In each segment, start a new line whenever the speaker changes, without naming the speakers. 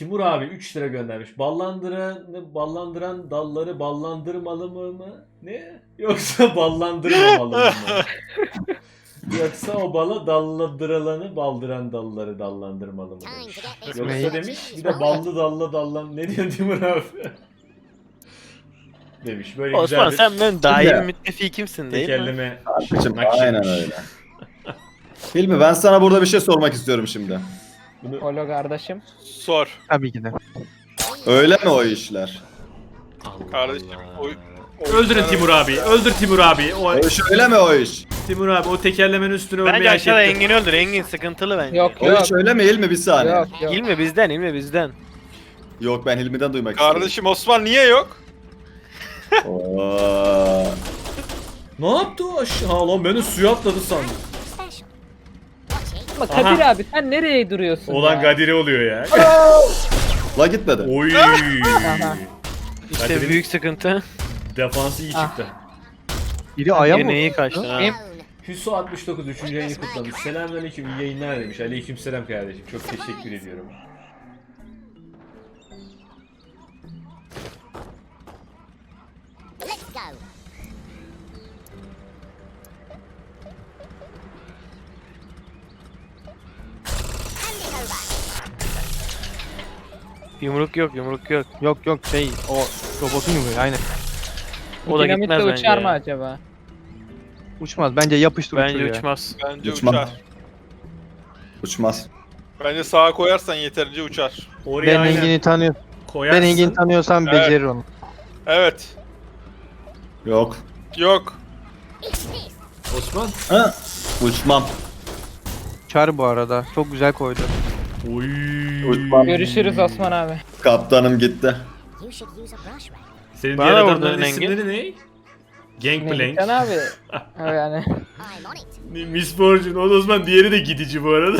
Timur abi 3 lira göndermiş. Ballandıran dalları ballandırmalı mı? Ne? Yoksa ballandırmamalı mı? Yoksa o bala dallandıranı baldıran dalları dallandırmalı mı demiş. Yoksa demiş bir de ballı dalla dallan. Ne diyorsun Timur abi? Demiş. Böyle
Osman
güzel
sen
bir
benim daimi müttefikimsin değil mi?
tekerleme
Abicim,
nakşetmiş.
aynen öyle. Hilmi, ben sana burada bir şey sormak istiyorum şimdi.
Bunu
Olo kardeşim.
Sor.
Tabii ki de.
Öyle mi o işler?
Kardeşim,
Öldürün Timur abi. Öldür Timur abi.
O iş öyle mi o iş?
Timur abi o tekerlemenin üstüne ölmeyi
Bence
hak
aşağıda
etti.
Engin öldür. Engin sıkıntılı bence.
Yok
O
yok.
iş öyle mi Hilmi, bir saniye?
Yok yok.
İlmi bizden, ilmi bizden.
Yok, ben Hilmi'den duymak istiyorum.
Kardeşim Osman niye yok?
Oo.
Ne yaptı o aşağı? Ha lan beni suya atladı sandım.
Ama Kadir abi sen nereye duruyorsun
Olan
ya?
Gadiri oluyor ya.
La gitmedi.
Oy.
Aha.
İşte
Kadir'in
büyük sıkıntı.
Defansı iyi çıktı.
Biri aya mı?
Yine iyi kaçtı ha.
Benim-
Hüso 69 3. ayını kutlamış. Selamünaleyküm iyi yayınlar demiş. Aleykümselam kardeşim. Çok teşekkür ediyorum.
Let's go. Hand it over.
Yumruk yok, yumruk yok.
Yok yok o robotun yumuyor aynen.
O da
Dinamitle
gitmez bence.
uçar mı
ya.
acaba?
Uçmaz bence yapıştır
Bence
uçuyor ya.
uçmaz.
Bence
Uçmaz.
uçar.
Uçmaz.
Bence sağa koyarsan yeterince uçar.
Oraya
Ben
aynen
Engin'i tanıyorum.
koyarsın.
Ben Engin'i tanıyorsam
Evet.
becerir onu.
Evet.
Yok.
Yok.
Osman.
Ha? Uçmam.
Uçar bu arada. Çok güzel koydu.
Oy.
Uçmam.
Görüşürüz Osman abi.
Kaptanım gitti.
You should use a brush ray.
Senin
Bana
diğer
da
adamların
vurdun Engin.
isimleri ne? Gangplank.
Can abi. Ha, yani.
I'm on it.
Miss Fortune. O da Osman diğeri de gidici bu arada.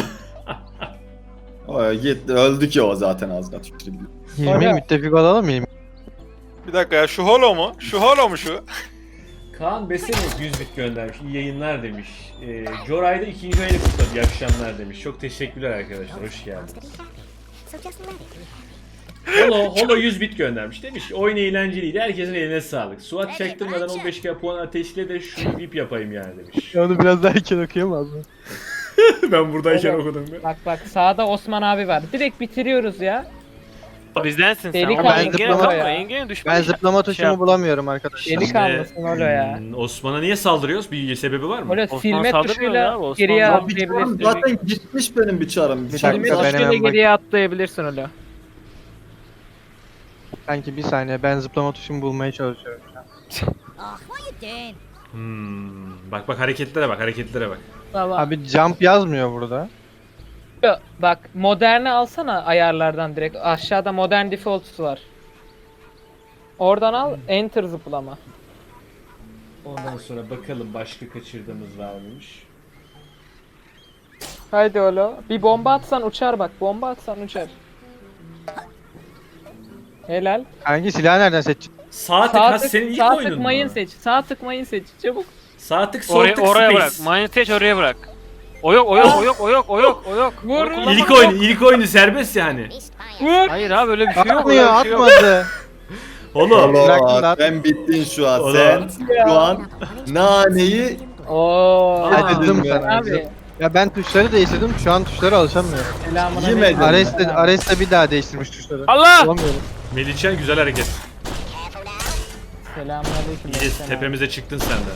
O gitti. Öldü ki o zaten az da tuttu.
Hilmi
Öyle.
müttefik olalım mı Hilmi?
Bir dakika ya, şu holo mu? Şu holo mu şu?
Kaan Besene 100 bit göndermiş. İyi yayınlar demiş. Joray'da 2. ayını kutladı. İyi akşamlar demiş. Çok teşekkürler arkadaşlar. Hoş geldiniz.
Wants to be happy. So just let it.
Holo 100 bit göndermiş. Demiş ki oyun eğlenceliydi. Herkesin eline sağlık. Suat çaktırmadan 15k puan ateşle de şu VIP yapayım yani demiş.
Onu biraz daha erken okuyamaz mı?
Ben buradayken
Evet.
okudum ya.
Bak bak sağda Osman abi var. Direkt bitiriyoruz ya.
Bizdensin sen.
Deli
Ama
kaldı
Engin'e
zıplama
kalma.
ya.
Engin'e düşman.
Ben zıplama tuşumu
yap.
bulamıyorum arkadaşlar.
Deli kalmasın Olo ya.
Osman'a niye saldırıyoruz? Bir sebebi var mı?
Olo
Osman
silme
saldırmıyor
tuşuyla
ya, Osman
geriye
Ya bir çarım
atlayabilirsin.
zaten gitmiş benim bir çarım.
Bir
Silme
dakika, ben
tuşuyla
hemen
geriye atlayabilirsin Olo.
Sanki bir saniye ben zıplama tuşumu bulmaya çalışıyorum.
Oh, what are you doing?
Bak bak hareketlere bak hareketlere bak.
Tamam.
Abi jump yazmıyor burada.
Bak moderni alsana ayarlardan direkt. Aşağıda modern defaults var. Oradan al enter zıplama.
Ondan sonra bakalım başka kaçırdığımız var mıymış?
Haydi Olo. Bir bomba atsan uçar bak. Bomba atsan uçar. Helal.
Hangi silahı nereden seçeceksin?
Sağ tık
Sağ
ha
tık,
senin ilk
sağ
oyunun
tık
mu?
mayın seç. Sağ tık mayın seç. Çabuk.
Sağ tık sol
Oraya,
tık
oraya
space.
bırak. Mindseç oraya bırak. O yok, o yok, o yok, o yok, o yok, o yok.
Vur.
Onu kullanma.
İlk oyunu serbest yani.
Missed by a
Vur.
Hayır abi öyle bir şey yok.
Atmıyor
öyle bir şey yok.
atmadı.
Oğlum.
Bıraktın
Allah,
lan.
sen bittin şu an.
Oğlum.
Sen şu an naneyi
Oo.
Dedim
ya.
sana.
Abi.
Ya ben tuşları değiştirdim şu an tuşlara alışamıyorum.
Selamına
Yemedin.
Ares de bir daha değiştirmiş tuşları.
Allah!
Bulamıyorum.
Melihcan güzel hareket.
careful now.
Selamünaleyküm.
İyi
Melihcan abi.
tepemize çıktın sen de.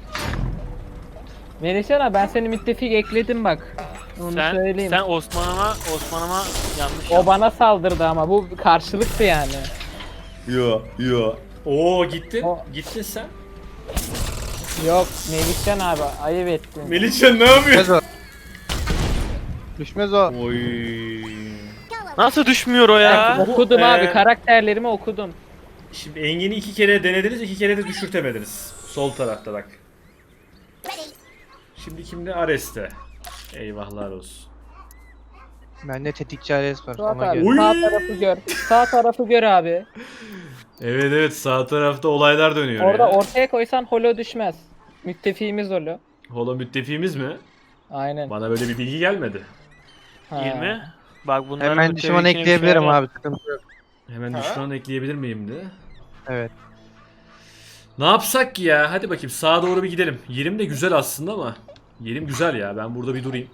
Melihcan abi ben seni müttefik ekledim bak. Onu söyleyeyim.
Sen Osman'ıma yanlış
O bana saldırdı ama bu karşılıktı yani.
yo yo.
Oo gittin.
O-
Gittin sen.
Yok Melihcan abi ayıp ettin.
Melihcan ne yapıyor?
Düşmez o. Düşmez o.
Oy.
Go away.
Nasıl düşmüyor o
Ben
ya?
okudum
Bu,
abi karakterlerimi okudum.
Şimdi Engin'i 2 kere denediniz, 2 kere de düşürtemediniz. Sol tarafta bak.
Ready.
Şimdi kimde? Ares'te. Eyvahlar olsun.
Bende tetikçi Ares var.
Suat
Ona
abi
göre.
Oy.
sağ tarafı gör. Sağ tarafı gör abi.
Evet evet sağ tarafta olaylar dönüyor
Orada
ya.
ortaya koysan holo düşmez. Müttefiğimiz holo.
Holo müttefiğimiz mi?
Aynen.
Bana böyle bir bilgi gelmedi.
Ha.
İlmi. Bak bunların
Hemen düşman ekleyebilirim abi. Sıkıntı yok.
Hemen
Ha?
düşman ekleyebilir miyim de?
Evet.
Ne yapsak ki ya? Hadi bakayım sağa doğru bir gidelim. Yerim de güzel aslında ama. Yerim güzel ya. Ben burada bir durayım.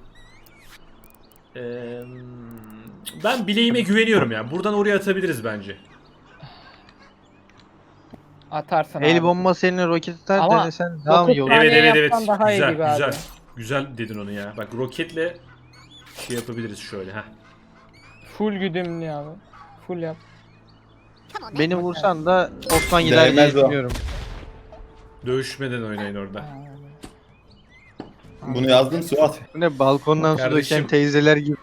Ben bileğime güveniyorum ya. Buradan oraya atabiliriz bence.
Atarsın
El
abi.
bombası eline roket atar
Ama
denesen daha mı iyi olur?
Saniye
Evet evet evet.
yapsan daha iyi
Güzel
gibi abi.
güzel. Güzel dedin onu ya. Bak roketle şey yapabiliriz şöyle. Heh.
Full güdümlü abi. Full yap.
Come on, then.
Beni vursan da Osman gider diye
Değmez o.
düşünüyorum.
Dövüşmeden oynayın orada.
Bunu yazdım Suat.
Bu ne balkondan su
Kardeşim.
döken teyzeler gibi.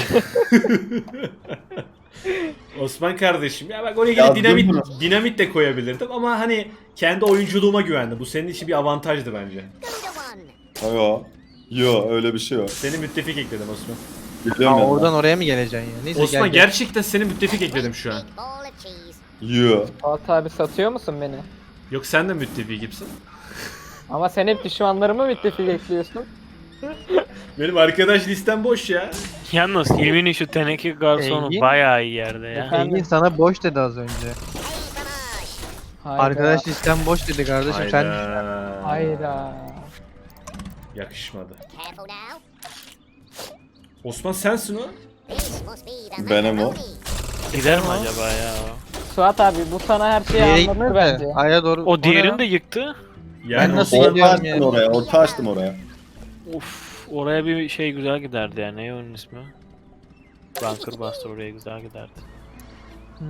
Osman kardeşim ya bak oraya
Yazdım
dinamit
bunu.
dinamit de koyabilirdim ama hani kendi oyunculuğuma güvendim. Bu senin için bir avantajdı bence.
Go to one.
Yo. Yo öyle bir şey yok.
Seni müttefik ekledim Osman.
Biliyorum
Aa,
ya.
oradan oraya mı geleceksin ya? Neyse
Osman
gel, gel.
gerçekten seni müttefik ekledim şu an.
Big ball of cheese.
Yo.
Fuat abi satıyor musun beni?
Yok sen de müttefik gibisin.
Ama sen hep düşmanlarımı müttefik ekliyorsun.
Benim arkadaş listem boş ya.
Yalnız Hilmi'nin şu teneke garsonu
Engin.
bayağı iyi yerde ya.
Efendim?
Engin sana boş dedi az önce.
Hey, Samash.
Hayda.
Arkadaş listem boş dedi kardeşim sen.
Hayda.
Hayda.
Yakışmadı.
Careful now.
Osman sensin o.
This must be the
Benim o.
macaroni.
Gider mi acaba ya?
Suat abi bu sana her şeyi
Yere
anlatır
gitmez
bence.
de. Aya doğru.
O
ne
diğerini
lan?
de yıktı.
Yani
Ben nasıl
Osman-
Orta
gidiyorum
açtım
yani?
oraya. Orta açtım oraya.
Uf, oraya bir şey güzel giderdi ya. Ne onun ismi? Bunker Buster oraya güzel giderdi.
Hmm.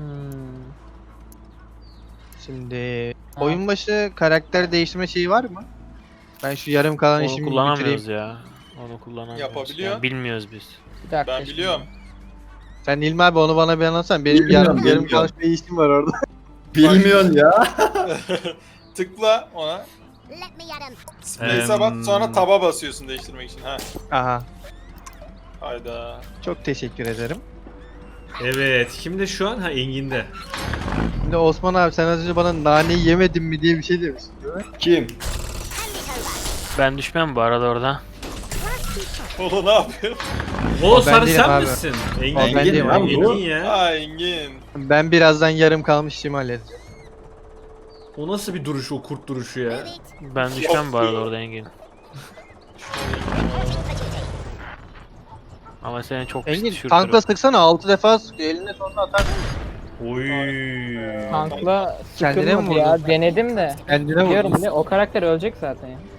Şimdi oyun başı karakter değiştirme şeyi var mı? Ben şu yarım kalan
Onu
işimi
kullanamıyoruz
bitireyim.
ya. Onu kullanamıyoruz.
Yapabiliyor.
Yani bilmiyoruz biz.
Bir dakika.
Ben
şimdi.
biliyorum.
Sen İlmi abi onu bana bir anlatsan. Benim
Bilmiyorum,
yarım
bilmiyorum.
kalan bir işim var orada.
Bilmiyorsun ya.
Tıkla ona.
Let me at him.
Space'e bas sonra taba basıyorsun değiştirmek için. Ha.
Aha.
Hayda.
Çok teşekkür ederim.
Evet. Kimde şu an? Ha Engin'de.
Şimdi Osman abi sen az önce bana naneyi yemedin mi diye bir şey demiştin değil mi?
Kim?
Ben düşmem bu arada orada.
O ne yapıyor?
O
ben
sarı
değilim
sen
abi.
misin?
O ben
Engin,
değilim
abi.
Engin ya.
Ha Engin.
Ben birazdan yarım kalmış işimi halledeceğim.
O nasıl bir duruş o kurt duruşu ya?
Move it.
Ben düşmem bu arada orada Engin. Ama seni çok pis
Engin
düşürtürüm.
tankla sıksana 6 defa sıkıyor eline sonra atar.
Oy.
Tankla
Kendine mi
sıkılmadı ya.
vurdun?
Denedim de.
Kendine
Biliyorum
vurdun.
ne o karakter ölecek zaten ya.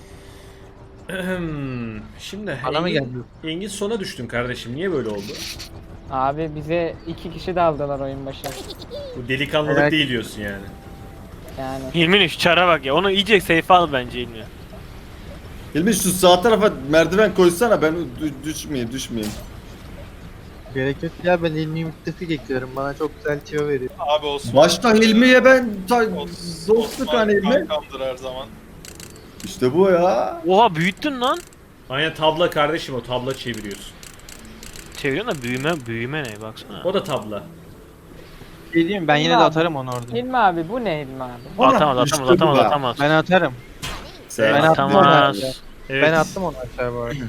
Şimdi
Bana mı
Engin,
geldi?
Engin sona düştün kardeşim. Niye böyle oldu?
Abi bize 2 kişi daldılar oyun başı.
Bu delikanlılık
Evet.
değil diyorsun yani.
Yani.
Hilmi'nin şu çara bak ya. Onu iyice safe al bence Hilmi.
Hilmi şu sağ tarafa merdiven koysana ben düşmeyeyim.
Gerek yok ya ben İlmi'yi müttefik ekliyorum bana çok güzel tüyo veriyor.
Abi Osman.
Başta Hilmi'ye ben dostluk
Osman
hani Hilmi.
kankamdır her zaman.
İşte bu ya.
Oha büyüttün lan.
Aynen tabla kardeşim o tabla çeviriyorsun.
Çeviriyorsun da büyüme ne baksana.
O da tabla.
Şey diyeyim ben yine de
Abi.
atarım onu orada.
Hilmi abi bu ne Hilmi abi?
Atamaz
İşte
atamaz
bu
atamaz
ya.
atamaz.
Ben atarım.
Sen
Ben attım onu
Atamaz.
aşağı.
Evet.
Ben attım onu aşağı bu arada.
Boring.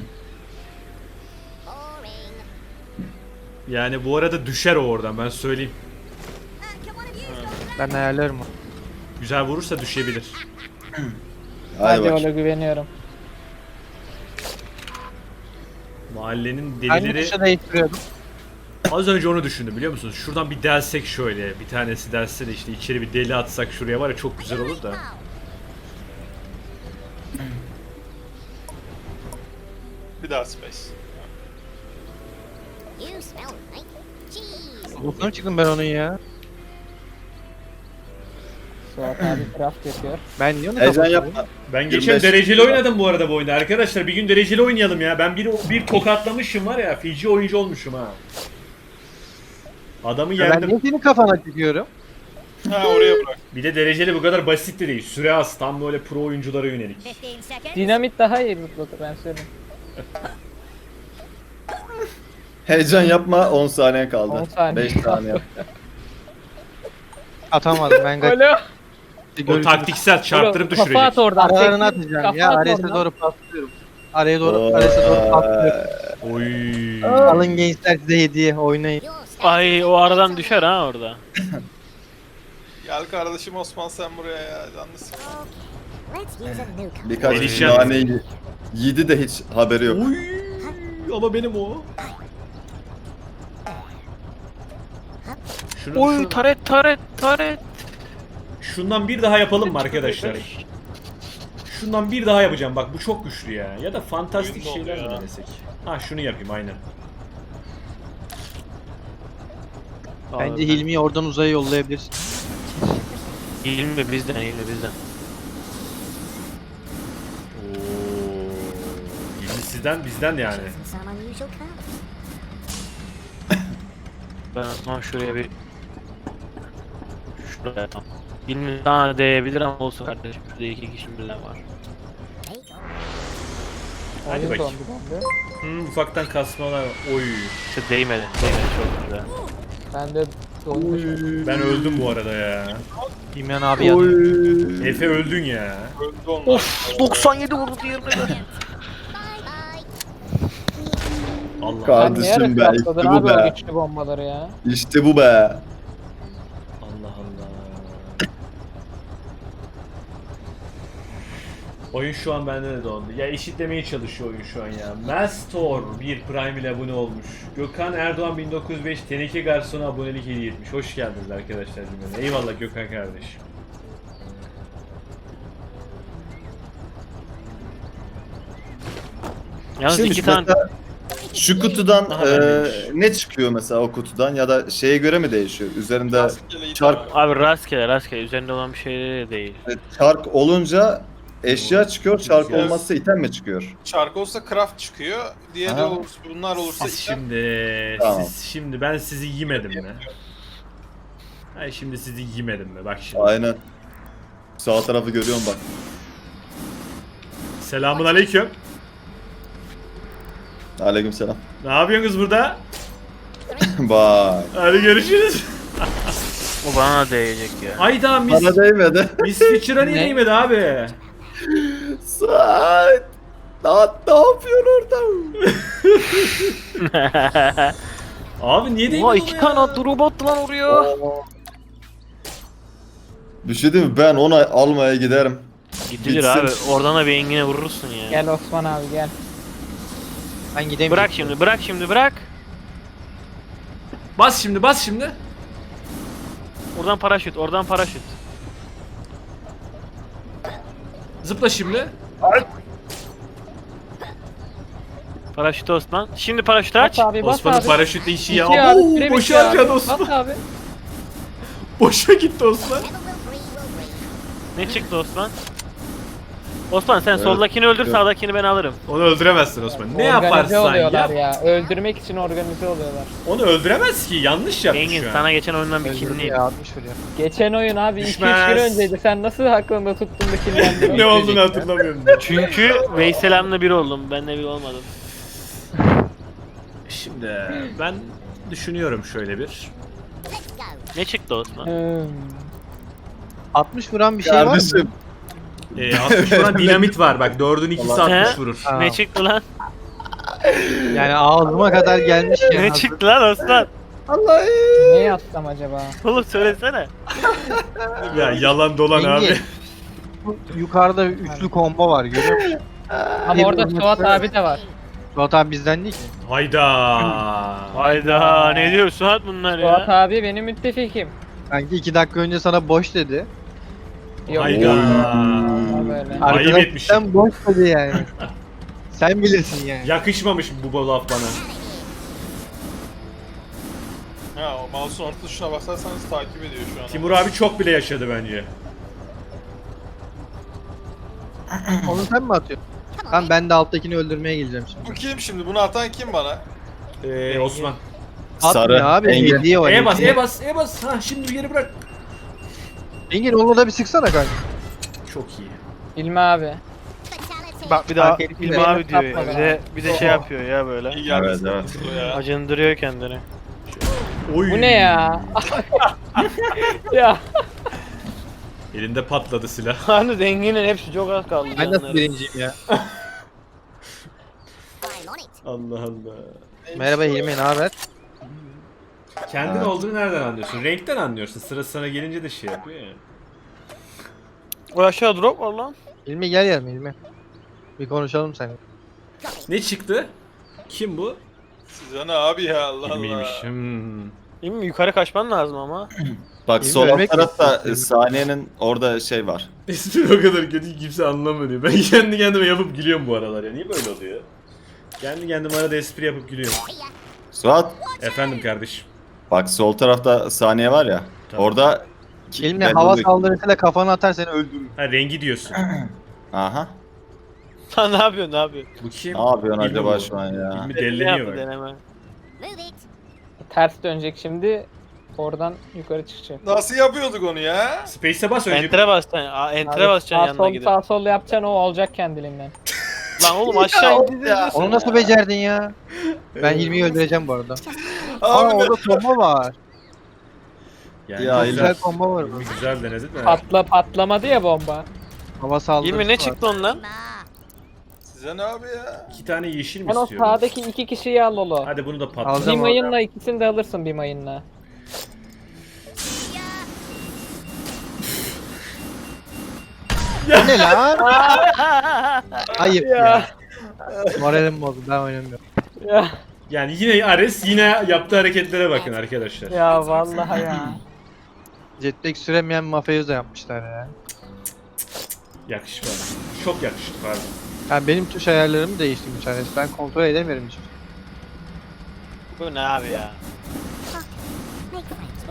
Yani bu arada düşer o oradan ben söyleyeyim.
Can one of you go to
Ben ayarlarım onu.
Güzel vurursa düşebilir.
Hadi
Hadi
bak.
ona güveniyorum.
Mahallenin
Hangi
delileri
tuşa değiştiriyordum?
az önce onu düşündüm biliyor musunuz? Şuradan bir delsek şöyle bir tanesi delse de işte içeri bir deli atsak şuraya var ya çok güzel olur da.
Bir daha space.
You smell like cheese.
Bokuna mı çıktım ben onun ya?
Suat abi craft yapıyor.
Ben niye onu
Heyecan
kapatıyorum?
yapma.
Ben geçen
25
dereceli oynadım bu arada bu oyunda. Arkadaşlar bir gün dereceli oynayalım ya. Ben bir tokatlamışım var ya. Fiji oyuncu olmuşum ha. Adamı
Ben
yendim.
niye senin kafana çıkıyorum?
Ha oraya bırak.
Bir de dereceli bu kadar basit de değil. Süre az. Tam böyle pro oyunculara yönelik.
15 seconds.
Dinamit daha iyi zıplatır ben söyleyeyim.
Heyecan yapma 10 saniye
10
kaldı.
saniye
5 saniye.
Atamadım ben kaç.
Alo.
O taktiksel çarptırıp
Kafa
düşürecek.
at oradan.
Aralarını
teknik
atacağım
kafa
ya.
at
Ares'e
oradan.
doğru paslıyorum. Araya doğru Ares'e doğru paslıyorum.
Oy.
Alın gençler size hediye oynayın.
Your scouts
Ay o aradan düşer ha orada.
Gel kardeşim Osman sen buraya ya. Canlı sıkma.
Let's use a new
Birkaç
Delişen.
kişi naneyi yedi de hiç haberi yok.
Oy. Ama benim o.
Oy taret.
Şundan bir daha yapalım mı arkadaşlar? Şundan bir daha yapacağım. Bak bu çok güçlü ya. Ya da fantastik
Oyun
şeyler
oldu
mi
ya.
denesek? Ha şunu yapayım aynen.
Bence Hilmi'yi oradan uzaya yollayabilirsin.
Hilmi bizden.
Oo. Yeni sizden bizden yani.
and some unusual cards.
Ben ama şuraya bir... Şuraya yapalım. Hilmi daha değebilir ama olsun kardeşim. Şurada 2 kişi birden var.
Take on.
Hadi
Oyun
bakayım.
dondu bende.
Ufaktan kasmalar. Oy.
İşte değmedi çok güzel.
Ben de donmuş.
Ben öldüm bu arada ya.
İmran abi yandı.
Efe öldün ya.
Öldü onlar.
Of 97 vurdu diğerine.
Bye bye.
Allah.
Sen niye
Kardeşim be,
arası
işte
atladın
bu
abi o
be.
güçlü bombaları ya?
İşte bu be.
Allah Allah. Oyun şu an bende de dondu. Ya eşitlemeye çalışıyor oyun şu an ya. Mastor bir Prime ile abone olmuş. Gökhan Erdoğan 1905 Teneke Garson'a abonelik hediye etmiş. Hoş geldiniz arkadaşlar cümlene. Eyvallah Gökhan kardeşim.
Yalnız
Şimdi
2 tane...
mesela şu kutudan
Aha, bendeymiş.
ne çıkıyor mesela o kutudan ya da şeye göre mi değişiyor? Üzerinde
Rastgele
çark
idare.
Abi rastgele üzerinde olan bir şey de değil.
çark olunca eşya çıkıyor, çark
Evet.
olmazsa item mi çıkıyor?
Çark olsa craft çıkıyor. Diğeri
Aha.
olursa bunlar olursa
Siz
item.
şimdi,
Tamam.
şimdi ben sizi yemedim mi? Hayır şimdi sizi yemedim mi? Bak şimdi.
Aynen. Sağ tarafı görüyorum bak.
Selamun aleyküm.
Aleykümselam.
Ne yapıyorsunuz burada?
Bak.
Hadi görüşürüz.
O bana da değecek ya.
Ayda Miss,
Bana değmedi.
Miss Fitcher'a niye
Ne?
değmedi abi?
Saat. Ne yapıyorsun orada?
Abi niye değmedi
Oha
ona
2
ya?
tane attı robot lan oraya.
Bir şey diyeyim mi? Ben onu almaya giderim.
Gidilir
Bitsin.
abi. Oradan da bir engine vurursun ya.
Gel Osman abi gel.
Ben gidemiyorum.
Bırak şimdi bırak.
Bas şimdi bas şimdi.
Oradan paraşüt.
Zıpla şimdi.
Paraşüt Osman. Şimdi paraşütü aç.
Bas abi bas
Osman'ın
abi.
paraşütle işi ya.
Bitiyor abi,
Oo,
süre
boşa
bitiyor abi.
harcadı Osman.
Bas abi.
Boşa gitti Osman.
Never will breathe.
Ne çıktı Osman? Osman sen
Evet.
soldakini öldür
Evet.
sağdakini ben alırım.
Onu öldüremezsin Osman. Ne
Organize
yaparsan
oluyorlar
yap.
ya. Öldürmek için organize oluyorlar.
Onu öldüremez ki. Yanlış yapmış
Engin
şu an.
sana geçen oyundan bir
Öldürdü
kinliyim.
ya 60 vuruyor.
Geçen oyun abi 2-3
Düşmez.
gün önceydi. Sen nasıl aklında tuttun da kirlendin?
Ne olduğunu hatırlamıyorum.
Çünkü Veyselam'la bir oldum. Ben de bir olmadım.
Şimdi ben düşünüyorum şöyle bir.
Let's go.
Ne çıktı Osman?
60 vuran bir şey var mı?
Kardeşim.
60 vuran dinamit var. Bak 4'ün ikisi
Ulan.
60
He?
vurur.
Ha.
Ne çıktı lan?
Yani ağzıma kadar gelmiş ya.
Ne çıktı lan Osman?
Ne yapsam acaba?
Oğlum söylesene.
Ya yalan dolan
Engin.
abi.
Bu yukarıda üçlü combo var görüyor musun?
Ama orada Suat abi de var.
Suat abi bizden değil ki.
Hayda.
Hayda ne diyor Suat bunlar
Suat
ya?
abi benim müttefikim.
Sanki 2 dakika önce sana boş dedi.
Yok.
Hayda.
Ama böyle.
Ayıp
Arkadaş
etmiş.
sen boş dedi yani. Sen bilirsin yani.
Yakışmamış bu laf bana.
Ha o mouse'un orta tuşuna basarsanız takip ediyor şu an.
Timur abi çok bile yaşadı bence.
Onu sen mi atıyorsun? Tamam ben de alttakini öldürmeye geleceğim şimdi.
Bu kim şimdi? Bunu atan kim bana?
Osman.
Atmıyor abi
Engin.
hediye var.
E bas,
hediye.
E bas, E bas. Ha şimdi geri bırak.
Engin onu da bir sıksana kanka.
Çok iyi.
İlmi abi.
Fatality.
Bak bir daha
Fark ettim
İlmi
de.
abi diyor ya.
Yapma
Bir de şey yapıyor ya böyle.
İyi geldi
Evet,
sana
evet.
bu ya.
Acındırıyor kendini.
Oy.
Bu ne ya? Ya.
Elinde patladı silah.
Hani zenginin hepsi çok az kaldı.
Ben nasıl
canları.
birinciyim ya?
I'm on it.
Allah Allah.
Merhaba Hilmi, ne haber?
Kendin
Ha.
olduğunu nereden anlıyorsun? Renkten anlıyorsun. Sıra sana gelince de şey yapıyor ya.
O aşağı drop var lan.
Hilmi gel yanıma Hilmi. Bir konuşalım seninle.
Ne çıktı? Kim bu?
Size ne abi ya Allah Allah.
Bilmiymiş. Hmm.
Değil mi? Yukarı kaçman lazım ama.
Bak
İyi
sol alt
vermek
tarafta
istiyorum.
saniyenin orada şey var.
Espri o kadar kötü ki kimse anlamıyor. Ben kendi kendime yapıp gülüyorum bu aralar ya. Niye böyle oluyor? Kendi kendime arada espri yapıp gülüyorum.
Suat
Efendim kardeşim.
bak sol tarafta saniye var ya.
Tamam.
Orada
Hilmi
belli
hava
oluyor.
saldırısıyla kafanı atar seni öldürür.
Ha rengi diyorsun.
Aha.
Sen ne yapıyorsun, ne yapıyorsun?
Bu kim?
Ne yapıyorsun
Hilmi
acaba
bu.
şu an ya?
Hilmi
Ne
delleniyor
yaptı
bak.
deneme?
Move it.
Ters dönecek şimdi. Oradan yukarı çıkacak.
Nasıl yapıyorduk onu ya?
Space'e bas önce.
Enter'e basacaksın. Enter'e
Abi,
basacaksın yanına
sol,
gidip.
sağ sol yapacaksın o olacak kendiliğinden.
Lan oğlum aşağı indi.
Onu nasıl becerdin ya? Ben Hilmi'yi öldüreceğim bu arada. Aa
Abi
orada combo var.
Yani
Ya,
güzel,
Güzel combo var.
Hilmi güzel denedi de.
Patlamadı ya bomba.
Hava saldırısı
Hilmi ne
var.
çıktı ondan?
Ma.
size ne abi ya?
2 tane yeşil mi
Sen o
istiyorum?
sağdaki iki kişiyi al Lolo.
Hadi bunu da patlat.
Alacağım.
Bir mayınla ikisini de alırsın bir mayınla.
O ne lan? Ayıp ya. Moralim bozdu, ben oynamıyorum.
Ya,
Yani yine Ares yine yaptığı hareketlere bakın arkadaşlar.
ya vallahi ya.
Jetpack süremeyen mafyozo yapmışlar ya.
Yakışmadı. Çok yakıştı pardon.
Yani benim tuş ayarlarımı değiştirmiş Ares. Ben kontrol edemiyorum hiç.
Bu ne abi ya?
Make friends.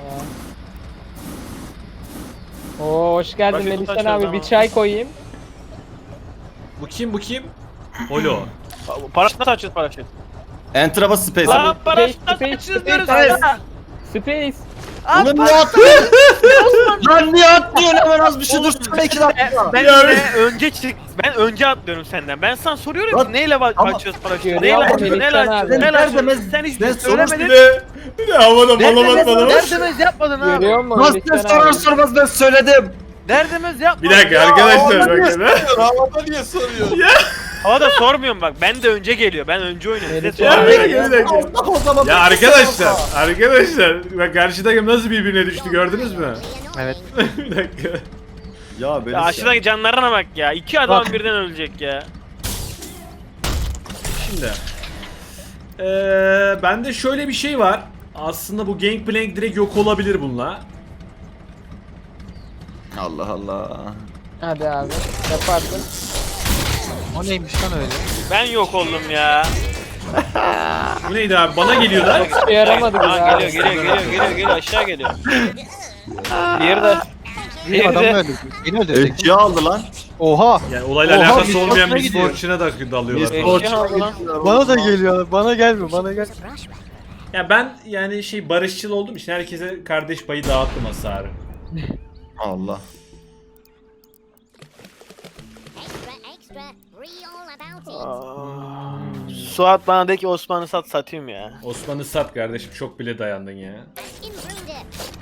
Aa. Oo hoş geldin
Bakın
Melihcan
taşlar
abi
zaman.
bir çay koyayım.
Bu kim bu kim? Holo.
Paraşüt nasıl açıyoruz paraşüt?
Enter'a bas space.
Lan paraşüt
Space,
nasıl
space,
açıyoruz
space,
diyoruz
space.
sana?
Space.
Ulan niye attın? Lan niye attın? Hemen az bir şey dursana 2 dakika.
Ben
Ya
de önce çık. Ben önce atlıyorum senden. Ben sana soruyorum
Lan,
ki neyle
ama-
açıyoruz paraşütü?
Görüyor
Neyle
musun
açıyoruz?
Melihcan
Neyle
abi?
açıyoruz? Neyle
Ben
açıyoruz?
demez-
Sen hiç
ben
söylemedin.
Bir de havada malamat malamat.
Derdemez yapmadın abi.
Görüyor musun
Nasıl
Melihcan
sorar
abi?
sormaz ben söyledim.
Derdemez yapmadın.
Bir dakika
Ya,
arkadaşlar
havada niye
bakın.
soruyor? Havada niye soruyor?
Havada sormuyorum bak. Ben de önce geliyor. Ben önce oynuyorum. Size
Melihcan
Ya
sormuyorum.
bir dakika, bir dakika.
Allah o zaman.
Ya arkadaşlar bak karşı takım nasıl birbirine düştü gördünüz mü?
Evet.
Bir dakika.
Ya beni
Ya aşağıdaki canlarına bak ya. 2 adam birden ölecek ya.
Şimdi. Bende şöyle bir şey var. Aslında bu Gangplank direkt yok olabilir bununla.
Allah Allah.
Hadi abi yaparsın.
O neymiş lan öyle?
Ben yok oldum ya.
Bu neydi abi? Bana geliyorlar.
Hiçbir yaramadı bize
Aa,
abi.
geliyor aşağı geliyor. Diğeri de.
Bir
Diğeri
adamı
de.
öldürdük. Beni öldürecek.
Elçiye aldı lan.
Oha!
Yani olayla
Oha,
alakası
biz
olmayan
boşuna
bir
gidiyor.
sporçuna da dalıyorlar.
Biz
falan.
Eşya aldı lan.
Bana da geliyor. Bana gelme, bana gel.
Just rush right.
Ya ben yani şey barışçıl olduğum için herkese kardeş payı dağıttım hasarı.
Allah.
Extra, extra. Real about it.
Suat bana de ki Osman'ı satayım ya.
Osman'ı sat kardeşim çok bile dayandın ya.
Intruder.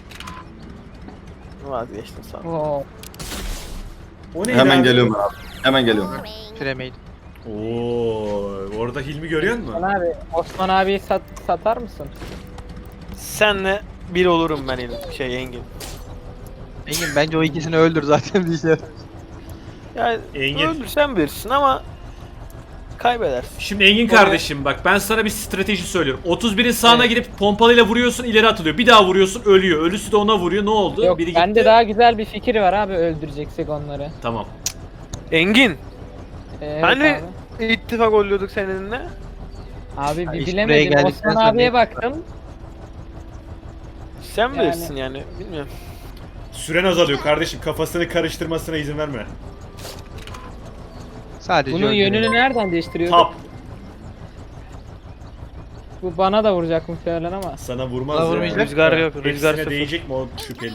Vazgeçtim Suat.
Oo.
O neydi
Hemen
abi?
geliyorum abi. Hemen geliyorum.
Boring.
Premade.
Oo, orada Hilmi görüyor musun?
Osman abi, Osman abiyi satar mısın?
Senle bir olurum ben Engin.
Engin bence o ikisini öldür zaten bir şey.
Yani
Engin.
öldürsen bilirsin ama kaybedersin.
Şimdi Engin kardeşim bak ben sana bir strateji söylüyorum. 31'in sağına girip pompalıyla vuruyorsun ileri atılıyor. Bir daha vuruyorsun ölüyor. Ölüsü de ona vuruyor. Ne oldu?
Yok
Biri
bende
gitti.
daha güzel bir fikir var abi öldüreceksek onları.
Tamam.
Engin,
Evet
hani
abi.
ittifak oluyorduk seninle?
Abi bir
iş buraya
bilemedim.
geldikten
Osman
sonra
abiye
ne-
baktım.
Sen
Yani-
bilirsin yani, bilmiyorum.
Süren azalıyor kardeşim. Kafasını karıştırmasına izin verme.
Sadece
Bunun
öldürüyor.
yönünü nereden değiştiriyor?
Tap.
Bu bana da vuracak muhtemelen ama.
Sana vurmaz
Bana
ya.
vurmayacak.
Rüzgar yok, rüzgar
Hepsine
sıfır.
değecek mi o şüpheli?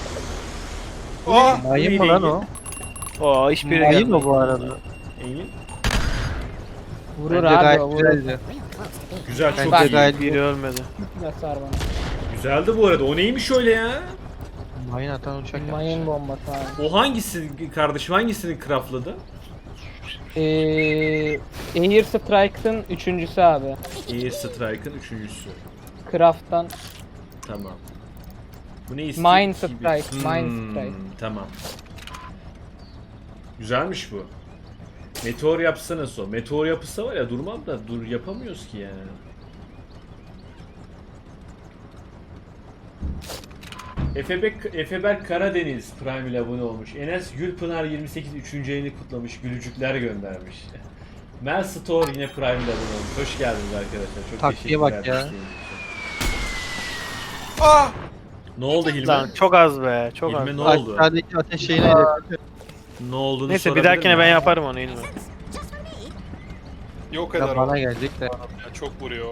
Aa!
Mayın mı lan o?
Oo hiçbiri
Mayın
gelmedi.
mı bu arada?
Engin.
Vurur
Bence
abi
gayet
o vurur.
güzeldi.
Real close to being.
Güzel çok
Bence
iyi.
gayet
Biri ölmedi.
Basar bana.
Güzeldi bu arada. O neymiş öyle ya?
Mayın atan uçak yapmış.
Mayın bombası abi.
O hangisi kardeşim? Hangisini craftladı?
Air Strike'ın üçüncüsü abi.
Air Strike'ın üçüncüsü.
Craft'tan.
Tamam. Bu ne istiyor?
Mine Strike. Mine Strike.
Tamam. Güzelmiş bu. Meteor yapsa nasıl o? Meteor yapısı var ya, durmam da yapamıyoruz ki yani. Efeberk Karadeniz Prime ile abone olmuş. Enes Gülpınar 28 3. ayını kutlamış. Gülücükler göndermiş. Mel Store yine Prime ile abone olmuş. Hoş geldiniz arkadaşlar. Çok
Taktiğe bak
teşekkürler.
ya.
desteğiniz için.
Ah!
Ne oldu Hilmi?
Lan çok az be, çok az.
Hilmi ne oldu?
Aşağıdaki ateş şeyine hedef.
Ne olduğunu
Neyse bir
sorabilir
dahakine
miyim?
ben yaparım onu İlmi.
Just for me.
Yok eder
Ya
o.
bana gelecek de.
Ya, çok vuruyor.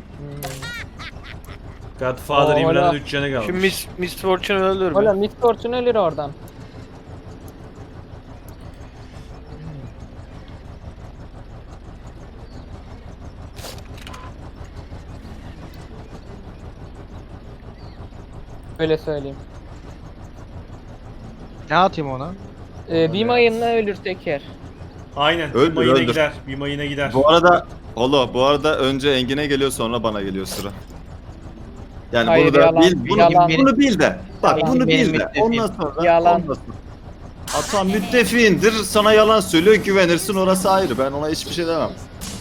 Godfather
Oo,
İmran'ın
hala.
3 canı kalmış.
Şu Miss Fortune öldür
Oğlum
mü?
Miss Fortune ölür oradan. Öyle söyleyeyim.
Ne atayım ona?
Bir mayınla ölür teker.
Aynen.
Öldür,
bir mayına
öldür.
gider. Bir mayına gider.
Bu arada önce Engin'e geliyor sonra bana geliyor sıra. Yani
Hayır,
bunu da
yalan,
bil,
yalan.
bunu bil de. Bak
Yalan.
bunu
Benim
bil de.
müttefiğim.
Ondan sonra
Yalan.
ondan sonra. Atan müttefiğindir, sana yalan söylüyor, güvenirsin, orası ayrı. Ben ona hiçbir şey demem.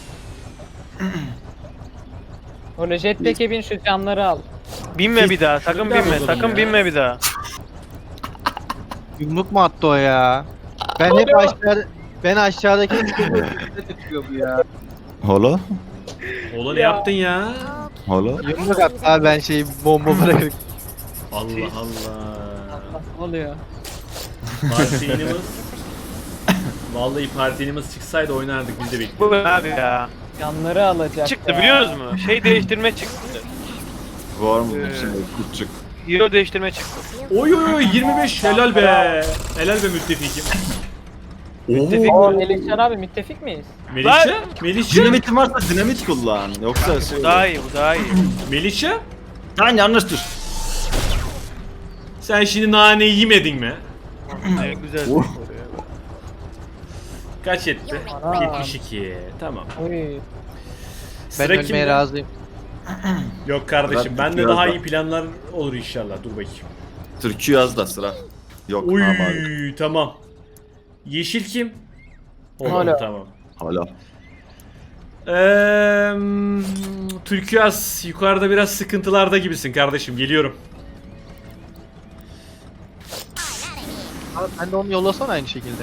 Öyle jetpack'e bin, şu camları al.
Binme bir daha, sakın
Şuradan
binme,
oğlum
sakın
ya.
binme bir daha.
Yumruk mu attı o ya? Ben aşağıdaki tutuyor bu ya.
Hala?
Oğlum ne yaptın ya?
Hala?
Yumruk attı abi, ben bomba bırakırım.
Allah Allah.
Ne oluyor?
Partinimiz... Vallahi partinimiz çıksaydı oynardık, biz de
Bu
bekliyoruz.
abi ya.
Camları alacak
Çıktı
ya.
biliyor musunuz? Şey değiştirme çıktı.
Var mı şimdi küçük?
Hero değiştirme çıktı.
Oy oy oy 25 helal be. Helal be müttefikim.
Müttefik
Oo.
mi? Melihcan abi müttefik miyiz?
Melihçe? Melihçe?
Dinamitin varsa dinamit kullan. Yoksa şey...
Bu daha iyi, bu daha iyi.
Melihçe?
Lan yanlıştır.
Sen şimdi naneyi yemedin mi?
Ne güzel.
Oh.
Kaç etti?
Ana.
72. Tamam.
Oy.
Ben
Sıra
ölmeye
kimde?
razıyım.
Yok kardeşim,
Bırak,
bende
biraz
daha
da.
iyi planlar olur inşallah. Dur bakayım.
Türkü yaz da sıra. Yok
Uy
abi.
tamam. Yeşil kim? Oğlum
Hala.
tamam.
Hala.
Türküaz yukarıda biraz sıkıntılarda gibisin kardeşim. Geliyorum.
Abi sen de onu yollasana aynı şekilde.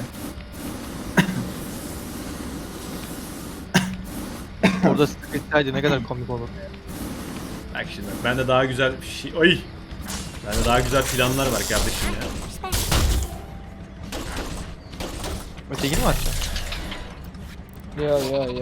Orada sıkıntıydı, ne kadar komik olur.
Bak şimdi bende daha güzel bir şey... Ay! Bende daha güzel planlar var kardeşim ya.
Ötekini mi açacaksın?
Yo.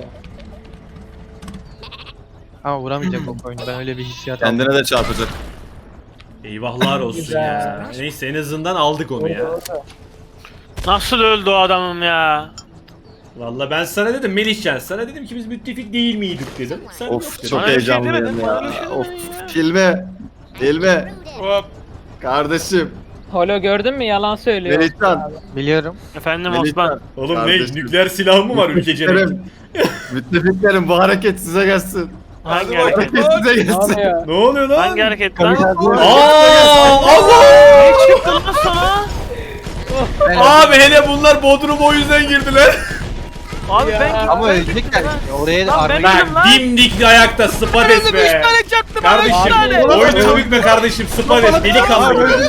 Ama vuramayacak o oyunu, ben öyle bir hissiyat aldım.
Kendine de çarpacak.
Eyvahlar olsun
Güzel.
ya. Neyse en azından aldık onu ya.
Nasıl öldü o adamım ya?
Valla ben sana dedim Melihcan, sana dedim ki biz müttefik değil miydik dedim. Sen yok
Of
dedin.
çok
Bana bir şey
heyecanlıyım
demedin, bana bir şey
ya.
demedin
Of
ya.
filme. Filme.
Hop.
Kardeşim.
Holo gördün mü? Yalan söylüyor.
Melihcan.
Biliyorum.
Efendim
Melihcan.
Osman.
Oğlum
Kardeşim.
ne nükleer silah mı var ülkecenin?
Müttefiklerim. Müttefiklerim bu hareket size gelsin.
Hangi
Hadi
hareket?
bakalım.
Hareket size
Ne
gelsin.
oluyor?
Ne oluyor lan?
Hangi hareket lan?
Allah!
Ne çıktı lan sana?
Abi hele bunlar Bodrum'a o yüzden girdiler.
Abi
Ya.
ben gittim.
Ama ölecekler. Oraya da
Lan ben-
arma
Benim
Bak
lan.
dimdik ayakta Spades be.
3 tane çaktım
Kardeşim
abi 3 tane.
oyunu bitme kardeşim Spades delikanlı gibi.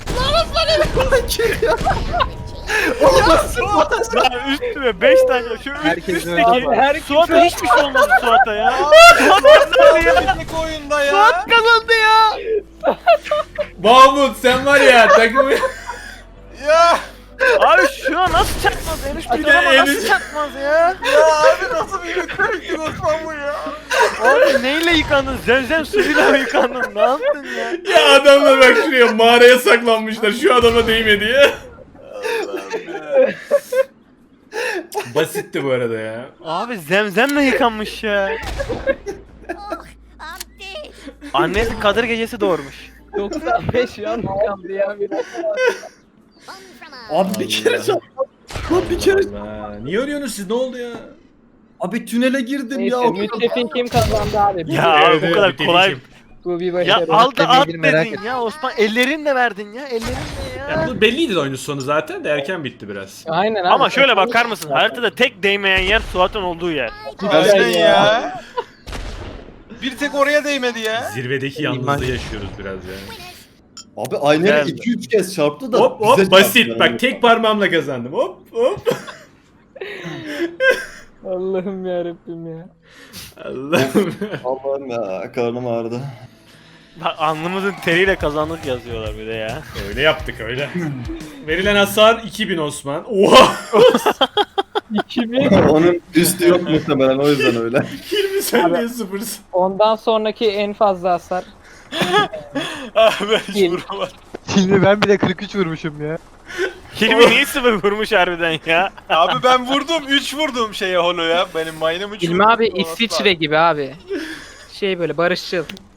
Lan üstüme 5 tane. Şu
Herkes
üstteki.
öldü.
Suat'a hiçbir şey olmadı Suat'a ya. Suat kazandı ya.
Tek oyunda ya.
Suat kazandı ya.
Mahmut sen var ya takımı...
Ya.
Abi şu an nasıl çakmaz? En üst
Bir de
ama
en
nasıl
üst-
çakmaz ya?
Ya abi nasıl bir müttefikti Osman bu ya?
Abi neyle yıkandın? Zemzem suyuyla mı yıkandın? Ne yaptın ya?
Ya adamlar bak şuraya mağaraya saklanmışlar şu adama değme diye. Basitti bu arada ya.
Abi zemzemle yıkanmış ya.
Oh, I'm dead.
Annesi Kadir gecesi doğurmuş.
95 yan kaldı ya.
One from us.
Abi bir kere Lan bir kere
Allah. Niye ölüyorsunuz siz? Ne oldu ya?
abi tünele girdim
Neyse
ya.
müttefin kim kazandı abi?
Ya abi
Evet,
bu
evet,
kadar
bir
kolay.
deliyim.
Bu bir
Ya
başarı.
al da at
Demeyeli merak
dedin ya Osman. Ellerinle verdin ya. Ellerinle ya.
Ya bu belliydi de oyunun sonu zaten de erken bitti biraz.
Aynen abi.
Ama şöyle bakar mısın? Haritada tek değmeyen yer Suat'ın olduğu yer.
Aynen ya. Bir tek oraya değmedi ya.
Zirvedeki yalnızlığı yaşıyoruz biraz yani.
Abi aynı yere
Geldi.
2-3 kez çarptı da.
Hop hop
bize
basit.
çarptı
Bak
yani.
tek parmağımla kazandım. Hop hop.
Allah'ım yarabbim ya.
Allah'ım.
Allah'ım ya karnım ağrıdı.
Bak alnımızın teriyle kazandık yazıyorlar bir de ya.
Öyle yaptık öyle. Verilen hasar 2000 Osman. Oha!
2000.
Onun üstü yok muhtemelen o yüzden öyle.
20 saniye sıfırsın.
Ondan sonraki en fazla hasar.
Abi ben hiç
Değil.
vuramadım.
Şimdi ben bile 43 vurmuşum ya.
Hilmi niye sıfır vurmuş harbiden ya?
Abi ben vurdum. 3 vurdum şeye holo ya. Benim mine'ım 3
İlmi abi İsviçre gibi abi. Şey böyle barışçıl.